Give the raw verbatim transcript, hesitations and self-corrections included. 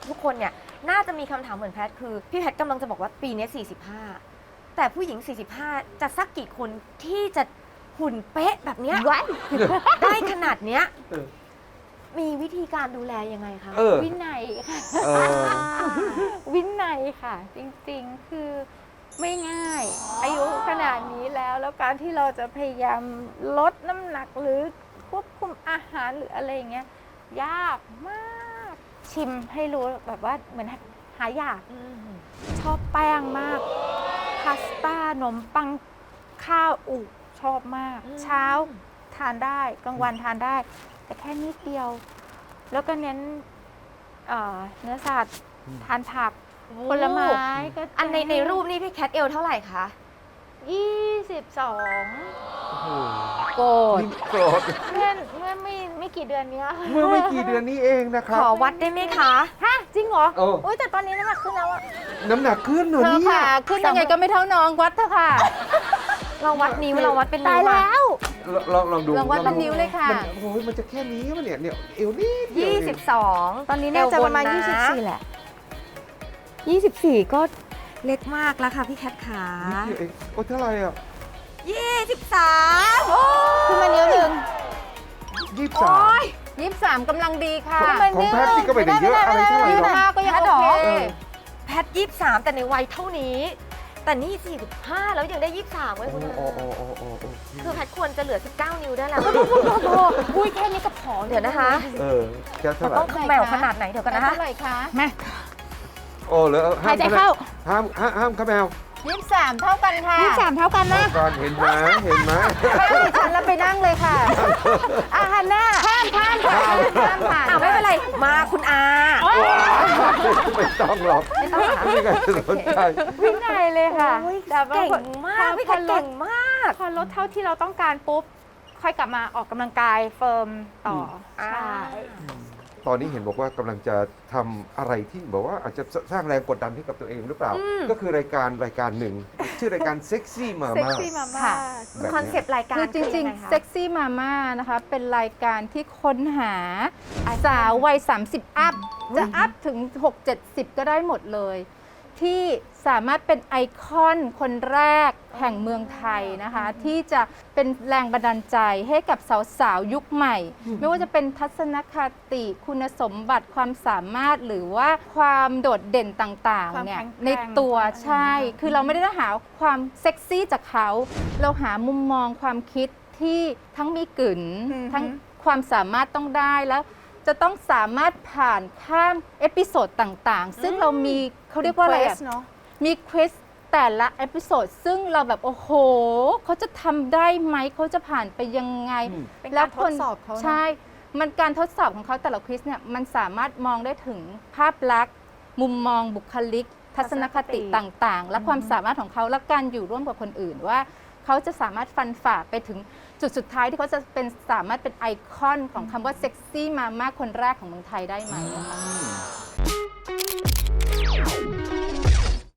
ทุกคนเนี่ยน่าจะมีคำถามเหมือนแพทคือพี่แพทกำลังจะบอกว่าปีนี้สี่สิบห้าแต่ผู้หญิงสี่สิบห้าจะสักกี่คนที่จะหุ่นเป๊ะแบบเนี้ย ได้ขนาดเนี้ยมีวิธีการดูแลยังไงคะเออวินัยค่ะเออวินัยค่ะ จริงๆคือไม่ง่าย อายุขนาดนี้แล้วแล้วการที่เราจะพยายามลดน้ำหนักหรือควบคุมอาหารหรืออะไรอย่างเงี้ยยากมาก ชิมให้รู้แบบว่าเหมือนหายากอืมชอบแป้งมาก พาสต้าขนมปังข้าวอุชอบมาก เช้าทานได้กลางวันทานได้ แต่แค่นิดเดียว แล้วก็เน้นเอ่อเนื้อสัตว์ทานผักผลไม้ก็อันในในรูปนี่พี่แคทเอลเท่าไหร่คะยี่สิบสองโกรธโกรธเมื่อเมื่อไม่ไม่กี่เดือนเนี้ยเมื่อไม่กี่เดือนนี้เองนะคขรับอวัดได้ไหมคะฮะจริงเหรอเออโอ้ยแต่ตอนนี้น้ำหนักขึ้นแล้วอะน้ำหนักขึ้นเหรอเธอเนี่ยค่ะขึ้นยังไงก็ไม่เท่าน้องวัดเถอะค่ะเราวัดนิ้วเราวัดเป็นนิ้ตายวอะแล้วลองลองดูลองวัดเป็นนิ้วเลยค่ะมันโอ้ยมันจะแค่นี้วะเนี่ยเนี่ยเอวนิดเดียวยี่เองสิบสองตอนนี้น่าจะประมาณเอวบนนะยี่สิบสี่แหละยี่สิบสี่ก็เล็กมากแล้วค่ะพี่แคทขานิดเดียวเองโอ้เท่าไหร่อ่ะยี่สิบสามขึ้นมานิ้วหนึ่งยี่สิบสามยี่สิบสามกำลังดีค่ะของแพทย์นี่ก็ไม่ได้เยอะอะไรเท่าไหร่ยี่หรสิอกบห้าก็ยังโอเคเออแพทยี่สิบสามแต่ในวัยเท่านี้ แต่นี่สี่สิบห้าแล้วยังได้ยี่สิบสามไว้โอ้คุณโอ้โอ้โอ้โอ้โอ้คือแพทควรจะเหลือสิบเก้านิ้วได้แล้วอุ้ยแค่นี้ก็ผอมเดี๋ยวนะคะเออแค่เท่าไหร่ต้องแมวขนาดไหนเดี๋ยวกันนะคะเท่าไหร่คะมาโอ้เหรอห้าหาม ยใจเข้าห้ามห้ามห้ามครับแมวยี่สิบสามเท่ากันค่ะยี่สิบสามเท่ากันนะก่อนเห็นไหมเห็นไหมข้ามดิฉันแล้วไปนั่งเลยค่ะอาฮันน่าข้ามข้ามค่ะข้ามผ่านอ้าวไม่เป็นไร มาคุณอาไม่ต้องหรอกไม่มีใครสนใจวินัยเลยค่ะโอ้ยแต่ว่าเก่งมากพี่แคทเก่งมากพอลดเท่าที่เราต้องการปุ๊บ ค่อยกลับมาออกกำลังกายเฟิร์มต่ออมใช่ตอนนี้เห็นบอกว่ากำลังจะทำอะไรที่บอกว่าอาจจะสร้างแรงกดดันให้กับตัวเองหรือเปล่า ก็คือรายการรายการหนึ่ง ชื่อรายการเซ็กซี่มาเซ็กม่าซี่มาม่าค่ะแบบคอนเซปต์รายการคือจริงยัไะๆ เซ็กซี่มาม่านะคะ เป็นรายการที่ค้นหาสาววัย สามสิบ อัพ จะอัพถึง หกเจ็ดสิบ ก็ได้หมดเลย ที่สามารถเป็นไอคอนคนแรกแห่งเมืองไทยนะคะ ที่จะเป็นแรงบันดาลใจให้กับสาวๆ ยุคใหม่ ไม่ว่าจะเป็นทัศนคติคุณสมบัติความสามารถหรือว่าความโดดเด่นต่างๆเนี่ยความแข็งแกร่งในตัวใช่ คือเราไม่ได้หาความเซ็กซี่จากเขา เราหามุมมองความคิดที่ทั้งมีกลิ่นทั้งความสามารถต้องได้แล้ว จะต้องสามารถผ่านข้ามเอพิโซดต่างๆ ซึ่งเรามีเขาเรียกว่าอะไรอะเนาะมีควิสแต่ละเอพิโซดซึ่งเราแบบโอ้โห เขาจะทำได้ไหม เขาจะผ่านไปยังไงอืมเป็นการทดสอบเขานะใช่ มันการทดสอบของเขาแต่ละควิสเนี่ยมันสามารถมองได้ถึงภาพลักษณ์ มุมมองบุคลิก ทัศนคติต่างๆ และความสามารถของเขาและการอยู่ร่วมกับคนอื่นว่า เขาจะสามารถฟันฝ่าไปถึงจุดสุดท้ายที่เขาจะเป็นสามารถเป็นไอคอนของคำว่าเซ็กซี่มาม่าคนแรกของเมืองไทยได้ไหมนะคะ